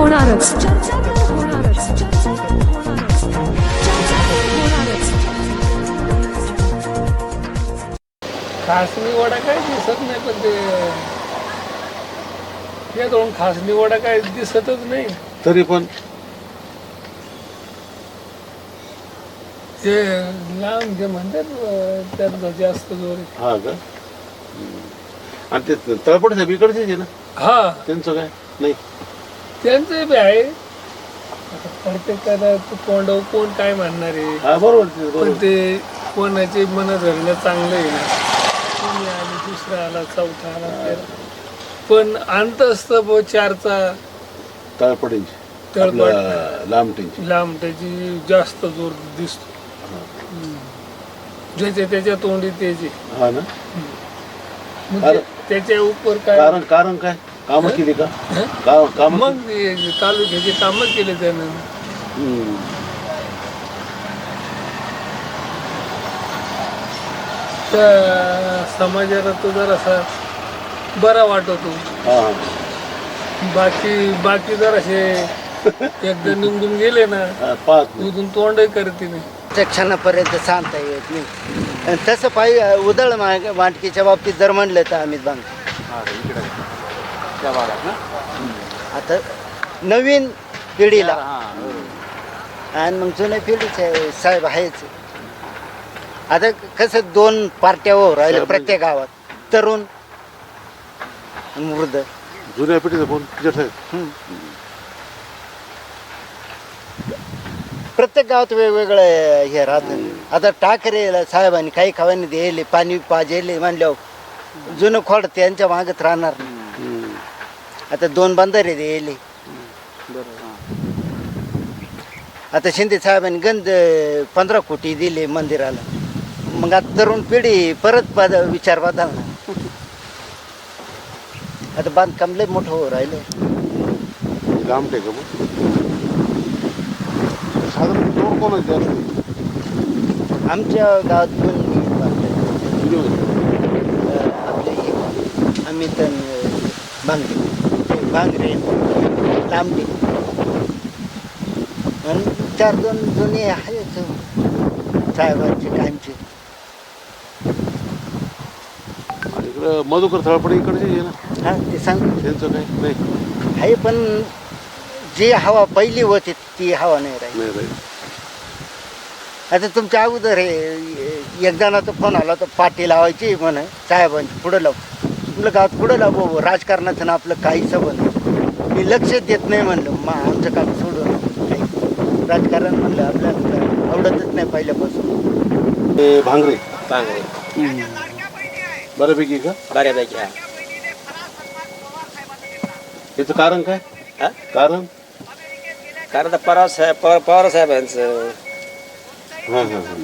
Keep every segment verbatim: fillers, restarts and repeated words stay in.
होणारच. खासनी वडा काय दिसत नाही, पण ते ते दोन खासनी वडा काय दिसतच नाही. तरी पण ते लांब जे म्हणतात त्यात जास्त जोर आहे. हा का आणि ते तळपडे साहेब इकडचेच आहे ना, हा त्यांचं काय नाही. त्यांचं बी आहे. आता प्रत्येकाला तोंड कोण काय म्हणणार आहे, हा बरोबर ते, पण बरोबर. ते कोणाचे मन धरणं चांगलं आहे ना. कोणी आले, दुसरा आला, चौथा आला, तेरा. पण अंत असतं ब चारचा तळपडेंची तळपड आपलं लांबटेंची. लांब त्याची जास्त जोर दिसतो. ज्याच्या त्याच्या तोंडी त्याची हा ना. म्हणजे अरे. त्याच्या उपर काय कारण कारण काय कामं केली का? हं? का काम मग ते तालुक्याचे कामच केले त्यानं. त्या समाजाला तो जरासा बरा वाटतो. बाकी बाकी जरासे एकदा निवडून गेले ना, पाहत नाही. उधून तोंडही करते नाही. त्या क्षणापर्यंत सांगता येत नाही. आणि तसं पाहिजे उधळ वाटकीच्या बाबतीत जर म्हणलं तर अमित बांग आता नवीन पिढीला आणि मग जुन्या पिढीचे साहेब आहेच. आता कसं दोन पार्ट्या हो राहिल्या प्रत्येक गावात, तरुण आणि वृद्ध. जुन्या पिढीचं कोण पिचड साहेब? प्रत्येक गावात वेगवेगळं हे राहतं. आता ठाकरे साहेबांनी काही खावानी दिले, पाणी पाजेले म्हणल्यावर जुनं खोड त्यांच्या मागत राहणार नाही. आता दोन बंधारे दिले. आता शिंदे साहेबांनी गंज पंधरा कोटी दिले मंदिराला. मग आता तरुण पिढी परत बद विचार बदलणार. आता बांधकाम लय मोठं हो राहिलं. लांबटे का मग साधारण जोर कोणाचे असते? आमच्या गावात दोन आपले अमित भांगरे भांगरे लांबडे आणि चार दोन जुने आहेत साहेबांचे कायमचे. आणि इकडं मधुकर तळपडे इकडचे आहे ना, हा ते सांग त्यांचं काय नाही. आहे, पण जी हवा पहिली होती ती हवा नाही राहिली. नाही राहील. आता तुमच्या अगोदर हे एक जणाचा फोन आला तर पाठी लावायची म्हण साहेबांची पुढं लाव. आपलं गावात पुढं लाव बाबू, राजकारणाचं ना आपलं काही संबंध मी लक्ष देत नाही म्हणलं. मग आमचं काम सोडून काही राजकारण म्हणलं आपल्याला आवडतच नाही पहिल्यापासून. ते भांगरे भांगरे बऱ्यापैकी का? बऱ्यापैकी. हा याचं कारण काय? हा? कारण कारण आता पवार साहेब पवार पवार साहेबांचं हां हां हां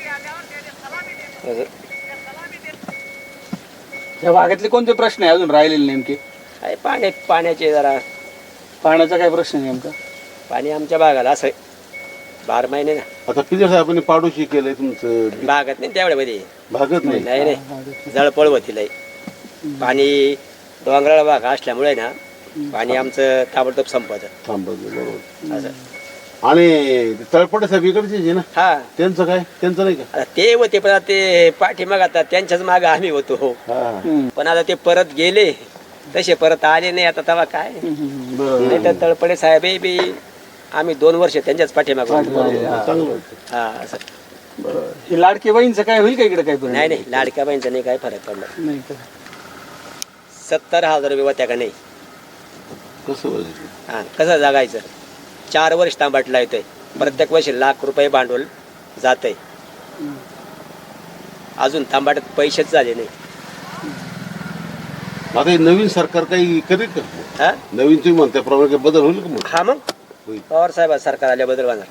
या भागातले कोणते प्रश्न आहे अजून राहिलेले नेमके? आहे पाणी पाण्याचे जरा पाण्याचा काय प्रश्न आहे नेमका? पाणी आमच्या भागाला असं बारा महिने ना आता पिचड साहेबांनी पाडोशी केलंय तुमचं भागात नाही तेवढ्यामध्ये. भागत नाही. नाही नाही जळपळ होती लय. पाणी डोंगराळ भाग असल्यामुळे ना पाणी आमचं ताबडतोब संपत थांबत बरोबर. असं. आणि तळपडे साहेब इकडचे आहे ना, हा त्यांचं काय? त्यांचं नाही का? आता ते होते, पण आता ते पाठीमाग आता त्यांच्याच मागे आम्ही होतो. हा पण आता ते परत गेले, तसे परत आले नाही. आता तेव्हा काय बरं. नाही तर तळपडे साहेब बी आम्ही दोन वर्ष त्यांच्याच पाठीमागे होतो. चांगलं होतं. हा असं. हे लाडके बहीणचं काय होईल का इकडे काय? नाही नाही लाडक्या बहिणीचा नाही काय फरक पडणार. नाही का? सत्तर हजार रुपये होत्या का नाही. कसं होईल? हा कसं जगायचं? चार वर्ष तांबाटला येतोय, प्रत्येक वर्षी लाख रुपये भांडवल जातंय. अजून तांबाट्यात पैसेच झाले नाही. आता हे नवीन सरकार काही करेल का? हा नवीन तुम्ही म्हणता प्रमाणे बदल होईल का? मग हा मग होईल. पवार साहेब सरकार आल्याबद्दल होणार.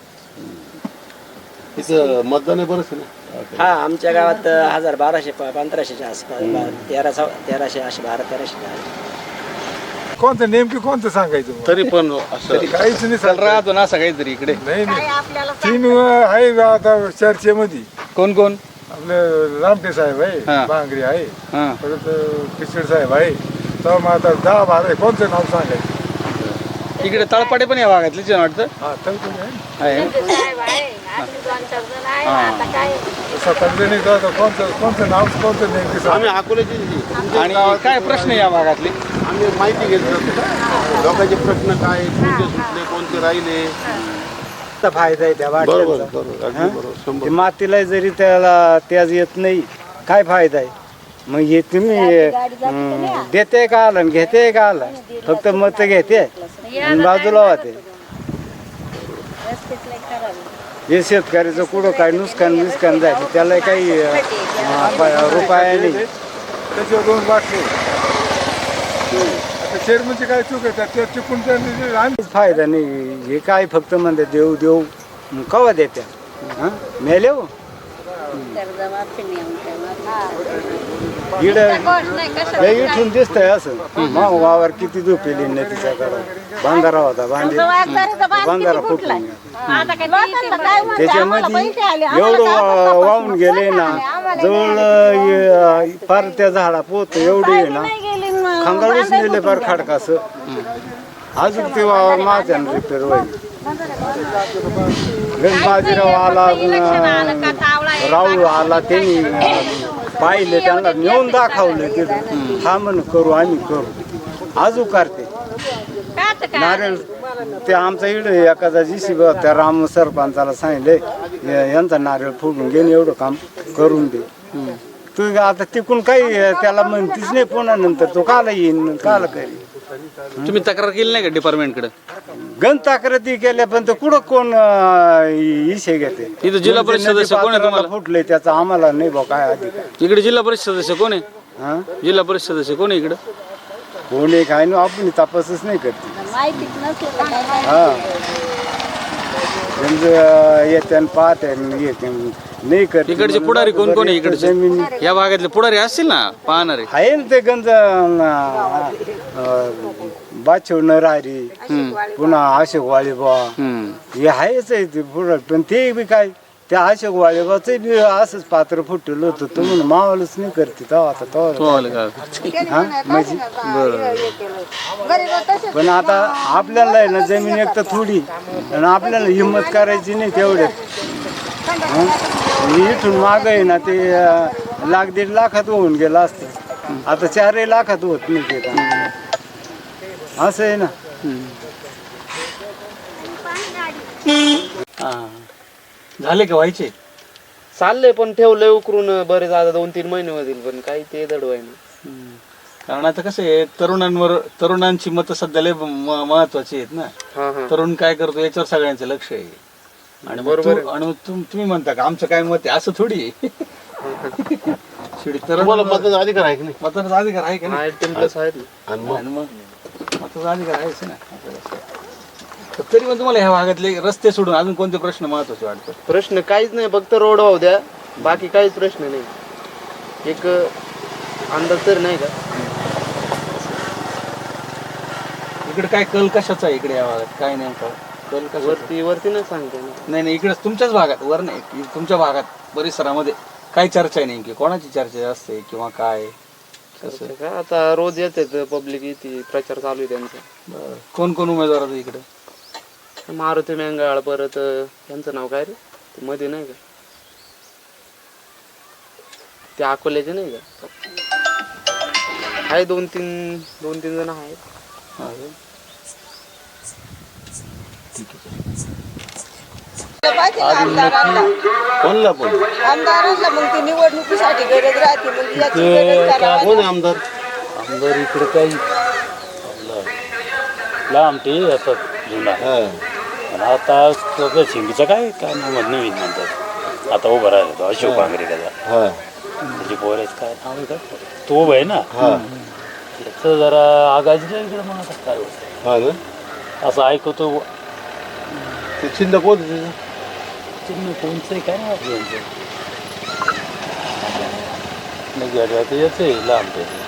तिथं मतदान आहे बरंच आहे ना. हा आमच्या गावात हजार बाराशे पंधराशेच्या आसपास तेराशे तेराशे असे बारा तेराशे. कोणतं नेमकी कोणतं सांगायचं मग? तरी पण असं काहीच नाही चल सांगता येत. राहतो ना असं काहीतरी इकडे. नाही नाही तीन आहे आता चर्चेमध्ये. कोण कोण? आपले रामटे साहेब आहे, हा. भांगरे आहे, हां परत पिचड साहेब आहे. तर मग आता दहा बारा आहे, कोणतं नाव सांगायचं? इकडे तळपाटे पण या भागातलीच आहे वाटतं हा तळपडे आहे आहे. सतत कोणतं कोणतं नाव कोणतं नेमकी सांग. आम्ही अकोल्याची आणि काय प्रश्न आहे या भागातले आम्ही माहिती घेतलं लोकांचे प्रश्न काय कोणते सुटले कोणते राहिले. तर फायदा आहे त्या बरोबर वाटल्याचा. बरोबर अगदी हं? बरोबर ते शंभर मातीला जरी त्याला त्याच येत नाही काय फायदा आहे. मग हे तुम्ही हं, देते का आला आणि घेते का आला फक्त मत घेते आणि बाजूला होते. हे शेतकऱ्याचं कुठं काय नुकसान नुकसान जायचं त्याला काही अं, रुपया नाही. त्याच्यावर दोन बाटले आता चेअरमनची काय चूक आहे त्या चुकून त्यांनी आम्ही काहीच फायदा नाही. हे काय फक्त म्हणते देऊ देऊ मग कवा देत्या हं? मेले हो इकडं इथून दिसतंय असं मग वावर किती झोपेली नदीच्या कडा बांधारा होता बांधे बांधारा फुटून त्याच्यामध्ये एवढं वा- वाहून गेले ना जवळ अं, फार त्या झाडा पोत एवढी आहे ना खंगाळूच नेले फार खडकास अजून ते वावर माझ्यानं रिपेअर होईल. गणबाजीराव आला अं, राहुल आला त्यांनी अं, पाहिले त्यांना नेऊन दाखवलं तिथं हा म्हण करू आम्ही करू अजून करते नारळ ते आमचा इकडे एखादा जी त्या राम सरपंचाला सांगितले "या- यांचा नारळ फोडून घेऊन एवढं काम करून दे तू आता तिकून काही त्याला म्हणतीच नाही पुन्हा नंतर तो काला येईन काला करेल. तुम्ही तक्रार केली नाही का डिपार्टमेंटकडे गण तक्रारी केल्या पण तो कुठं कोण अं, इशे घेते इथं जिल्हा परिषद सदस्य कोण आहे तुम्हाला? फुटले त्याचा आम्हाला नाही बा काय अधिकार. इकडे जिल्हा परिषद सदस्य कोण आहे हा जिल्हा परिषद सदस्य कोण आहे इकडं कोण एक आहे ना आपण तपासच नाही करते. हा येते आणि पाहते आणि येते नाही करते. इकडचे पुढारी कोण कोण आहे इकडचे जमीन या भागातले पुढारी असतील ना पाहणारे आहे ना ते गंज बाचवणार राहिली पुन्हा अशोक वाळीबा हम्म. हे आहेच आहे ते पुढं पण ते बी काय त्या अशोक वाळीबाच बी असंच पात्र फुटलं होतं तो म्हणून मावालच नाही करते तेव्हा आता हो, तेव्हा आलं का? हा म्हणजे पण आता आपल्याला आहे ना जमीन एक तर थोडी आणि आपल्याला हिंमत करायची नाही तेवढ्यात हं? इथून माग आहे ना ते अं, लाख दीड लाखात होऊन गेलं असतं आता चारही लाखात होत नाही ते काम. असं आहे ना. हा. झाले का व्हायचे चाललंय पण ठेवलंय उकरून बरेच आता दोन तीन महिने होतील पण काही ते दडवायला कारण आता कसं आहे तरुणांवर तरुणांची मतं सध्या लय म- महत्वाची आहेत ना. हा हा तरुण काय करतो याच्यावर सगळ्यांचं लक्ष आहे आणि मग बरोबर तू- आणि मग तुम- तुम्ही म्हणता का आमचं काय मत आहे असं थोडी आहे. शेवटी तरुण तुम्हाला मतदानाचा अधिकार आहे की नाही मताचा अधिकार आहे का नाही टेन प्लस आहेत ना. आणि मग आणि मग मताचा अधिकार आहेच ना आपल्याला. तर तरी पण तुम्हाला ह्या भागातले रस्ते सोडून अजून कोणते प्रश्न महत्वाचे वाटतात प्रश्न काहीच नाही फक्त रोड वाहू द्या बाकी काहीच प्रश्न नाही एक अंदाज तर नाही का इकडे काय कल कशाचा आहे इकडे या भागात काय नेमका कल कशाचा वरती वरती नाही सांगते ना नाही नाही इकडे तुमच्याच भागात वर नाही इ- तुमच्या भागात परिसरामध्ये काय चर्चा आहे नेमकी कोणाची चर्चा जास्त आहे किंवा काय कसं असं का आता रोज येते पब्लिक येते प्रचार चालू आहे त्यांचा बरं. कोण कोण उमेदवार आहेत इकडे मारुती मेंगाळ परत यांचं नाव काय रे ते मध्ये नाही का ते अकोल्याचे नाही का आहे दोन तीन दोन तीन जण आहेत हा का? कोणला पण आमदारांना मग ती निवडणुकीसाठी गरज राहते मग याची गरज करावी. कोण आहे आमदार आमदार इकडे काही लांबटे येतात जुना हा. आणि आता सगळं शिंगीचं काय काय नाव नवीन म्हणतात आता उभं राहिला तो अशोक भांगरे त्याचा हा. त्याची पोरायचं काय नाव आहे का तो उभं आहे ना हा. त्याचं जरा आगाजीला इकडे मग आता काय होतं हा ना असं ऐकतो ते चिंता कोण आहे त्याचं? चिन्ह कोणचं आहे काय नाव आपलं यांचं नाही गाडी आता याचं आहे लांब त्याचं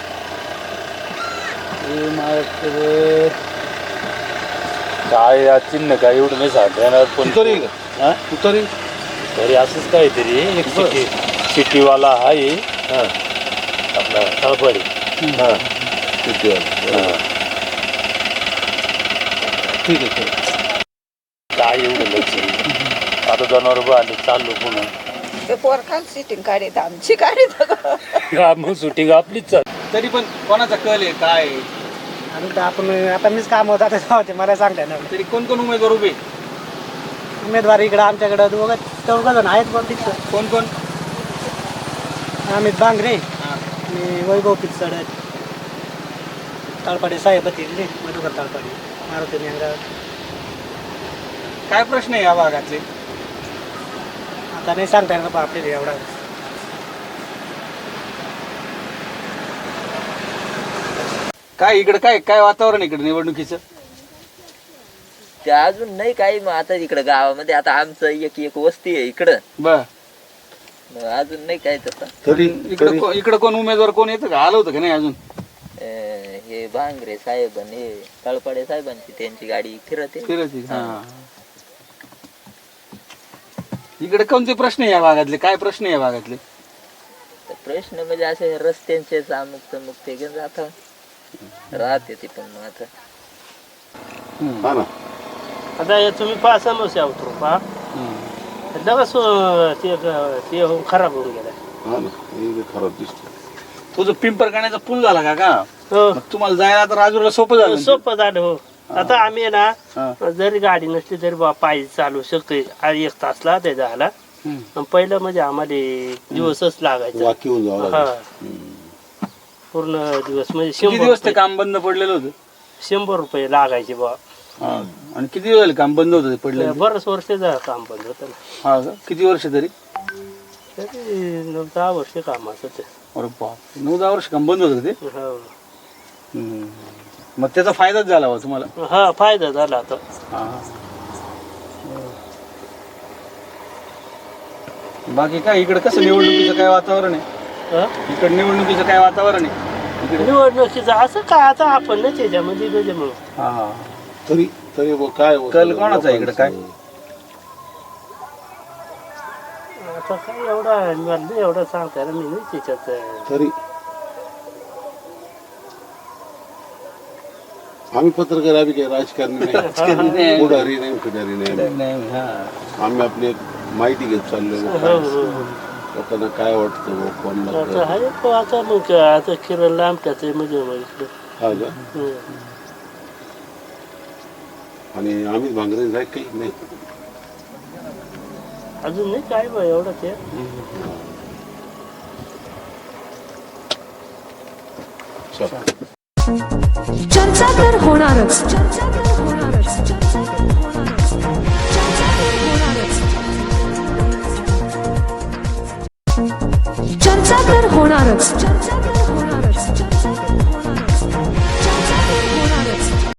हे माझ्याकडे काय या चिन्ह काय एवढं नाही सांगता येणार पण तुतारी का? हा तुतारी तरी असंच काहीतरी एक सिटी सिटीवाला आहे हा. आपला तळपडी हा. तुतारी. हा. ठीक आहे ठीक आहे. काय एवढं लक्ष नाही. आता जनावर आले चाललो पुन्हा ते पोर खाल सिटिंग काढीत आमची काढीत हा, मग शूटिंग आपलीच चाल. तरी पण कोणाचा कल आहे काय आहे? आणि आपण आता मीच काम होता त्याच्यावर मला सांगता ना तरी कोण कोण उमेदवार उभे आहेत? उमेदवार इकडं आमच्याकडं दोघं चौघ जण आहेत पण तिथं कोण कोण? अमित बांगरे हा. आणि वैभव पिचड ताळपाडे साहेब तिथले मधुकर ताळपाडे मारुती मेंगाव. काय प्रश्न आहे या भागातले? आता नाही सांगता येणार आपल्याला एवढा. काय इकडे काय काय वातावरण आहे इकडे निवडणुकीचं? ते अजून नाही काही. मग आता इकडं गावामध्ये आता आमचं एक एक वस्ती आहे इकडं, बर. मग अजून नाही काय तसं. तरी इकडे को- इकडे कोण उमेदवार कोण येतं का? आलं होतं का नाही अजून? अं, हे भांगरे साहेब आणि हे तळपाडे साहेबांची त्यांची गाडी फिरते. फिरत आहे. हा. इकडे कोणते प्रश्न आहे या भागातले? काय प्रश्न आहे या भागातले? तर प्रश्न म्हणजे असे रस्त्यांचे अमुक तमुक ते घेऊन जात राहते ते. पण मग आता हा ना. आता हे तुम्ही पहा समस्या उतरू पहा लगेच ते ते होऊन खराब होऊन गेला. हा ना, हे खराब दिसतं. तो जो पिंपरखाण्याचा पूल झाला का का हो मग तुम्हाला जायला आता राजूरला सोपं झालं ना? सोपं झालं हो. आता आम्ही ना हा. जरी गाडी नसली तरी बा पायी चालू शकतोय. आज एक तासला ते झाला. हम्म. पण पहिलं म्हणजे आम्हाला दिवसच लागायचा. वाकी होऊन जावं हा लागेल. पूर्ण दिवस म्हणजे किती शंभर दिवस ते रुपये- काम बंद पडलेलं होतं? शंभर रुपये लागायचे बा. हा. आणि किती दिवस झाले काम बंद होतं ते पडलेलं? बरंच वर्ष झालं काम बंद होतं ना. हा का? किती वर्ष तरी? तरी नऊ दहा वर्ष कामाचं ते. अरे बाप, नऊ दहा वर्ष काम बंद होतं का ते? हो. हम्म. मग त्याचा फायदाच झाला बा तुम्हाला? हा फायदा झाला आता. हा. बाकी काय इकडे कसं निवडणुकीचं काय वातावरण आहे? हा? इकडे निवडणुकीचं काय वातावरण आहे इकडे? निवडणुकीचं असं काय आता आपण नाही त्याच्यामध्ये म्हणजे मग हा हा. तरी तरी बुवा काय होतं? कल कोणाचा आहे इकडे काय? आता काय एवढा मला नाही एवढं सांगता येणार मी नाही त्याच्यात. तरी आम्ही पत्रकार आम्ही काही राजकारणी नाही, पुढारी नाही, फिडारी नाही. नाही, हा. आम्ही आपली एक माहिती घेत चाललोय. हो, हो, हो. लोकांना काय वाटतं बुवा, कोण आता लागतं. आहे तो आता मग आता किरण लांब त्याचं म्हणजे मग इकडं. हा का? हं. आणि अमित भांगरे जाय काही नाही. अजून नाही काय बा एवढं ते. चला. चर्चा तर होणारच. चर्चा तर होणारच. चर्चा तर होणारच. चर्चा तर होणारच. चर्चा तर होणारच. चर्चा